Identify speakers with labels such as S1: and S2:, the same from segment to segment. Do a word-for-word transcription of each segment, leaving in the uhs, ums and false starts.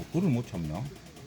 S1: 그걸 못 참나?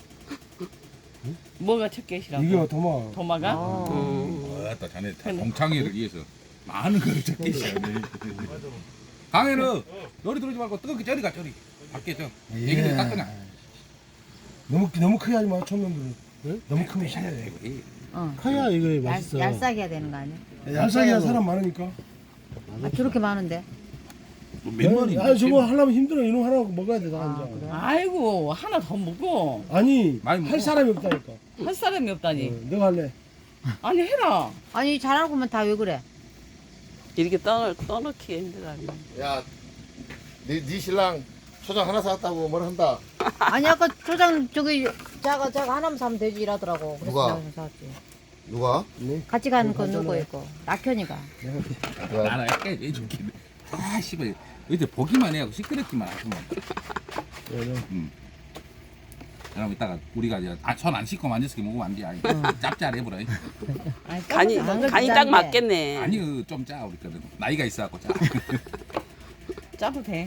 S2: 뭐가 첫 개시라고?
S3: 이게 도마.
S2: 도마가?
S4: 음.
S1: 아따 자네 다 동창회를 위해서 많은 거를 찾기 시작하네. 강에는 요리 들어오지 말고 뜨겁게 저리 가 저리. 밖에 저 얘기들 딱 그냥.
S3: 너무 너무 크게 하지 마 청년들은. 네? 너무 크면 싫어해.
S5: 어.
S4: 커야 이거
S5: 얄,
S4: 맛있어.
S5: 얄싸게 해야 되는 거 아니야?
S3: 얄쌍이야 사람 많으니까.
S5: 아, 저렇게 많은데?
S1: 몇 마리?
S3: 아 저거 하려면 힘들어. 이놈 하라고 먹어야 돼. 나
S5: 아,
S3: 이제.
S5: 그래?
S2: 아이고 하나 더 먹어.
S3: 아니
S1: 많이 먹어.
S3: 할 사람이 없다니까.
S2: 할 사람이 없다니.
S3: 어, 내가 할래.
S2: 아니 해라.
S5: 아니 잘하고만 다 왜 그래?
S6: 이렇게 떠, 떠넣기 힘들어.
S7: 야, 네, 네 신랑 초장 하나 사왔다고 뭘 한다.
S5: 아니 아까 초장 저기 자가 자가 하나만 사면 되지 이러더라고. 그래서
S7: 누가?
S5: 내가 좀 사왔지.
S7: 누가?
S5: 같이 가는 건
S3: 그거
S5: 누구
S3: 하잖아.
S5: 있고? 낙현이가.
S1: 나라 약간 해줄게. 아 씨발 이제 보기만 해하고 시끄럽기만 하구만. 음. 그럼 이따가 우리가 이제 아, 손 안 씻고 만졌을 게 먹으면 안 돼. 아니, 짭짤해보라.
S2: 아니,
S6: 간이,
S5: 안 그래도
S6: 간이 딱
S5: 짠데.
S6: 맞겠네.
S1: 아니 좀 짜 우리 거는 나이가 있어갖고 짜.
S2: 짜도 돼.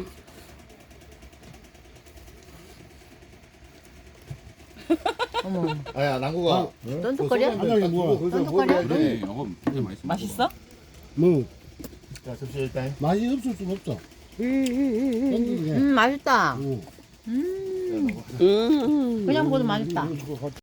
S5: 어머.
S7: 아야, 남구가.
S5: 떤둑거려?
S3: 아니, 뭐야.
S5: 쫀득거려?
S1: 그래 이거 되게 맛있어.
S2: 맛있어?
S3: 뭐
S7: 자, 접시 일단.
S3: 맛이 없을 순 없어.
S5: 음 맛있다.
S3: 응.
S5: 음
S6: 음.
S5: 그냥 먹어도 맛있다.
S3: 이거 저거